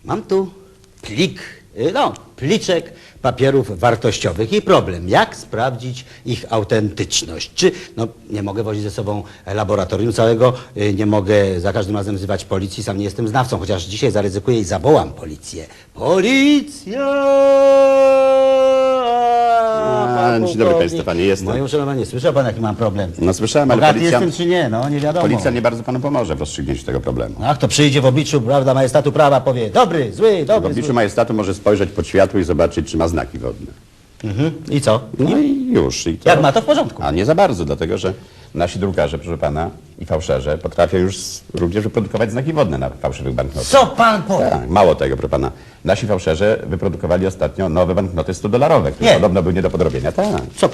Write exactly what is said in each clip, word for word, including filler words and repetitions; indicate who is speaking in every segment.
Speaker 1: Mam tu plik, y, no, pliczek papierów wartościowych i problem, jak sprawdzić ich autentyczność. Czy, no, nie mogę wozić ze sobą laboratorium całego, y, nie mogę za każdym razem wzywać policji, sam nie jestem znawcą, chociaż dzisiaj zaryzykuję i zawołam policję. Policja!
Speaker 2: A, dzień dobry państwu, panie, jestem.
Speaker 1: Moje uszanowanie, słyszał pan, jaki mam problem?
Speaker 2: No słyszałem, ale
Speaker 1: Bogaty
Speaker 2: policja...
Speaker 1: jestem czy nie, no nie wiadomo.
Speaker 2: Policja nie bardzo panu pomoże w rozstrzygnięciu tego problemu.
Speaker 1: Ach, to przyjdzie w obliczu, prawda, majestatu prawa, powie dobry, zły,
Speaker 2: W
Speaker 1: dobry,
Speaker 2: obliczu
Speaker 1: zły.
Speaker 2: majestatu może spojrzeć pod światło i zobaczyć, czy ma znaki wodne.
Speaker 1: Mhm. I co?
Speaker 2: No i już. I to...
Speaker 1: Jak ma, to w porządku.
Speaker 2: A nie za bardzo, dlatego że nasi drukarze, proszę pana, i fałszerze potrafią już również wyprodukować znaki wodne na fałszywych banknotach.
Speaker 1: Co pan powie?
Speaker 2: Tak, mało tego, proszę pana. Nasi fałszerze wyprodukowali ostatnio nowe banknoty sto dolarowe, które
Speaker 1: Nie.
Speaker 2: podobno były nie do podrobienia. Tak.
Speaker 1: Co?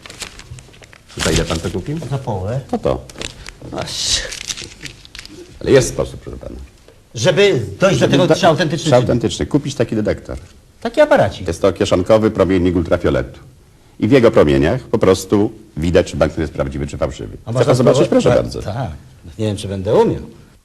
Speaker 2: Za ile pan to kupił?
Speaker 1: Za połowę?
Speaker 2: No to.
Speaker 1: Aż.
Speaker 2: Ale jest sposób, proszę pana.
Speaker 1: Żeby dojść do tego,
Speaker 2: Da-
Speaker 1: czy autentyczny,
Speaker 2: Czy autentyczny. Kupić taki detektor.
Speaker 1: taki aparacik.
Speaker 2: Jest to kieszonkowy promiennik ultrafioletu. I w jego promieniach po prostu widać, czy banknot jest prawdziwy, czy fałszywy.
Speaker 1: A
Speaker 2: Chce
Speaker 1: można
Speaker 2: pan zobaczyć?
Speaker 1: spróbować?
Speaker 2: Proszę
Speaker 1: Tak,
Speaker 2: bardzo.
Speaker 1: Tak. Nie wiem, czy będę umiał.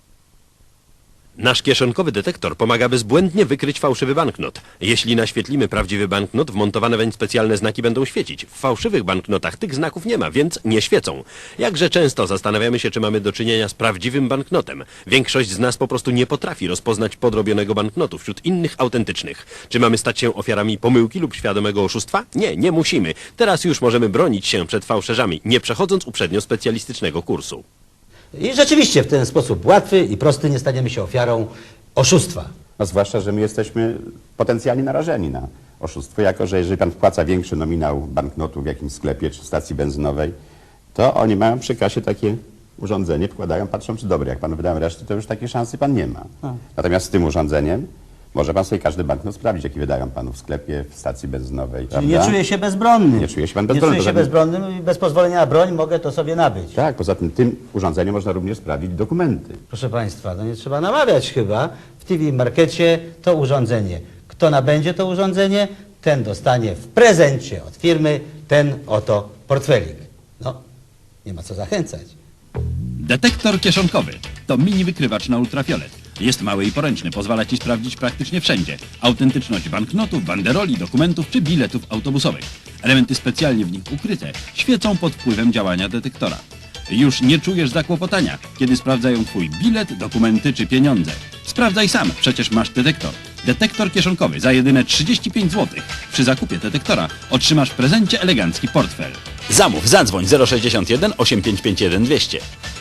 Speaker 3: Nasz kieszonkowy detektor pomaga bezbłędnie wykryć fałszywy banknot. Jeśli naświetlimy prawdziwy banknot, wmontowane weń specjalne znaki będą świecić. W fałszywych banknotach tych znaków nie ma, więc nie świecą. Jakże często zastanawiamy się, czy mamy do czynienia z prawdziwym banknotem. Większość z nas po prostu nie potrafi rozpoznać podrobionego banknotu wśród innych autentycznych. Czy mamy stać się ofiarami pomyłki lub świadomego oszustwa? Nie, nie musimy. Teraz już możemy bronić się przed fałszerzami, nie przechodząc uprzednio specjalistycznego kursu.
Speaker 1: I rzeczywiście w ten sposób łatwy i prosty nie staniemy się ofiarą oszustwa.
Speaker 2: No zwłaszcza, że my jesteśmy potencjalnie narażeni na oszustwo, jako że jeżeli pan wpłaca większy nominał banknotu w jakimś sklepie czy stacji benzynowej, to oni mają przy kasie takie urządzenie, wkładają, patrzą, czy dobre. Jak panu wydają resztę, to już takiej szansy pan nie ma.
Speaker 1: A.
Speaker 2: Natomiast z tym urządzeniem może pan sobie każdy banknot sprawdzić, jaki wydają panu w sklepie, w stacji benzynowej.
Speaker 1: Czyli nie
Speaker 2: prawda?
Speaker 1: czuję się bezbronny.
Speaker 2: Nie czuję się pan bezbronny,
Speaker 1: Nie czuję się
Speaker 2: poza tym-
Speaker 1: bezbronnym i bez pozwolenia na broń mogę to sobie nabyć.
Speaker 2: Tak, poza tym tym urządzeniem można również sprawdzić dokumenty.
Speaker 1: Proszę państwa, no nie trzeba namawiać chyba. W T V Markecie to urządzenie. Kto nabędzie to urządzenie, ten dostanie w prezencie od firmy ten oto portfelik. No, nie ma co zachęcać.
Speaker 4: Detektor kieszonkowy to mini wykrywacz na ultrafiolet. Jest mały i poręczny, pozwala Ci sprawdzić praktycznie wszędzie autentyczność banknotów, banderoli, dokumentów czy biletów autobusowych. Elementy specjalnie w nich ukryte świecą pod wpływem działania detektora. Już nie czujesz zakłopotania, kiedy sprawdzają Twój bilet, dokumenty czy pieniądze. Sprawdzaj sam, przecież masz detektor. Detektor kieszonkowy za jedyne trzydzieści pięć złotych. Przy zakupie detektora otrzymasz w prezencie elegancki portfel.
Speaker 5: Zamów, zadzwoń zero sześćdziesiąt jeden osiem pięć pięć jeden dwieście.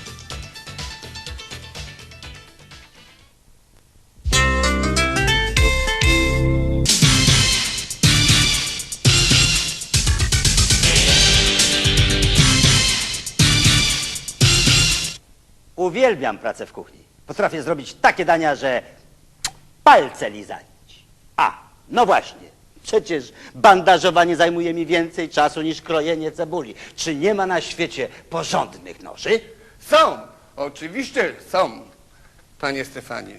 Speaker 1: Uwielbiam pracę w kuchni. Potrafię zrobić takie dania, że palce lizać. A, no właśnie. Przecież bandażowanie zajmuje mi więcej czasu niż krojenie cebuli. Czy nie ma na świecie porządnych noży?
Speaker 6: Są, oczywiście są, panie Stefanie.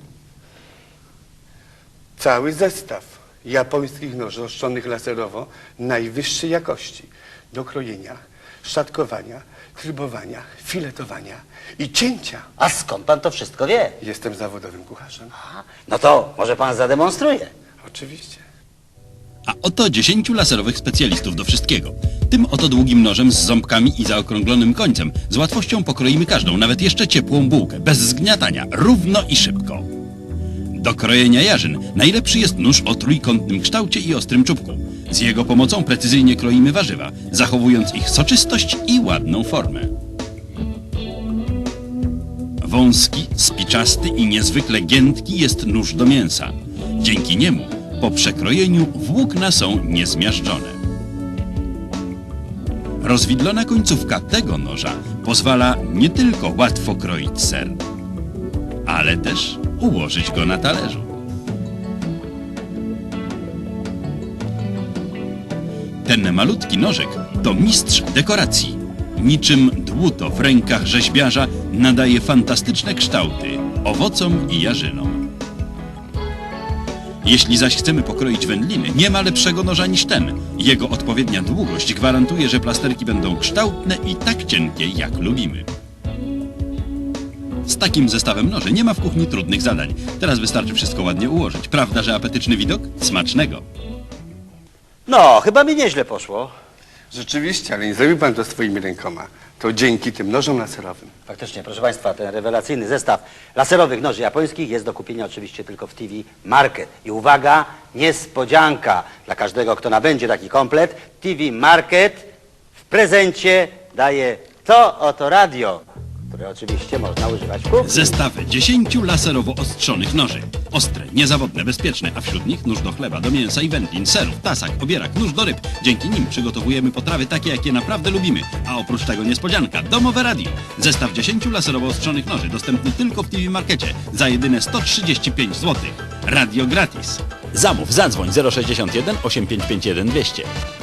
Speaker 6: Cały zestaw japońskich noży ostrzonych laserowo najwyższej jakości do krojenia, szatkowania, trybowania, filetowania i cięcia.
Speaker 1: A skąd pan to wszystko wie?
Speaker 6: Jestem zawodowym kucharzem.
Speaker 1: A, no to może pan zademonstruje.
Speaker 6: Oczywiście.
Speaker 4: A oto dziesięciu laserowych specjalistów do wszystkiego. Tym oto długim nożem z ząbkami i zaokrąglonym końcem z łatwością pokroimy każdą, nawet jeszcze ciepłą bułkę, bez zgniatania, równo i szybko. Do krojenia jarzyn najlepszy jest nóż o trójkątnym kształcie i ostrym czubku. Z jego pomocą precyzyjnie kroimy warzywa, zachowując ich soczystość i ładną formę. Wąski, spiczasty i niezwykle giętki jest nóż do mięsa. Dzięki niemu po przekrojeniu włókna są niezmiażdżone. Rozwidlona końcówka tego noża pozwala nie tylko łatwo kroić ser, ale też ułożyć go na talerzu. Ten malutki nożek to mistrz dekoracji. Niczym dłuto w rękach rzeźbiarza nadaje fantastyczne kształty owocom i jarzynom. Jeśli zaś chcemy pokroić wędliny, nie ma lepszego noża niż ten. Jego odpowiednia długość gwarantuje, że plasterki będą kształtne i tak cienkie, jak lubimy. Z takim zestawem noży nie ma w kuchni trudnych zadań. Teraz wystarczy wszystko ładnie ułożyć. Prawda, że apetyczny widok? Smacznego!
Speaker 1: No, chyba mi nieźle poszło.
Speaker 6: Rzeczywiście, ale nie zrobił pan to swoimi rękoma. To dzięki tym nożom laserowym.
Speaker 1: Faktycznie, proszę Państwa, ten rewelacyjny zestaw laserowych noży japońskich jest do kupienia oczywiście tylko w T V Market. I uwaga, niespodzianka dla każdego, kto nabędzie taki komplet. T V Market w prezencie daje to oto radio, które oczywiście można używać w kuchni.
Speaker 4: Zestaw dziesięciu laserowo ostrzonych noży. Ostre, niezawodne, bezpieczne, a wśród nich nóż do chleba, do mięsa i wędlin, serów, tasak, obierak, nóż do ryb. Dzięki nim przygotowujemy potrawy takie, jakie naprawdę lubimy. A oprócz tego niespodzianka, domowe radio. Zestaw dziesięciu laserowo ostrzonych noży dostępny tylko w T V Markecie za jedyne sto trzydzieści pięć złotych. Radio gratis.
Speaker 5: Zamów, zadzwoń zero sześćdziesiąt jeden osiemset pięćdziesiąt jeden dwieście.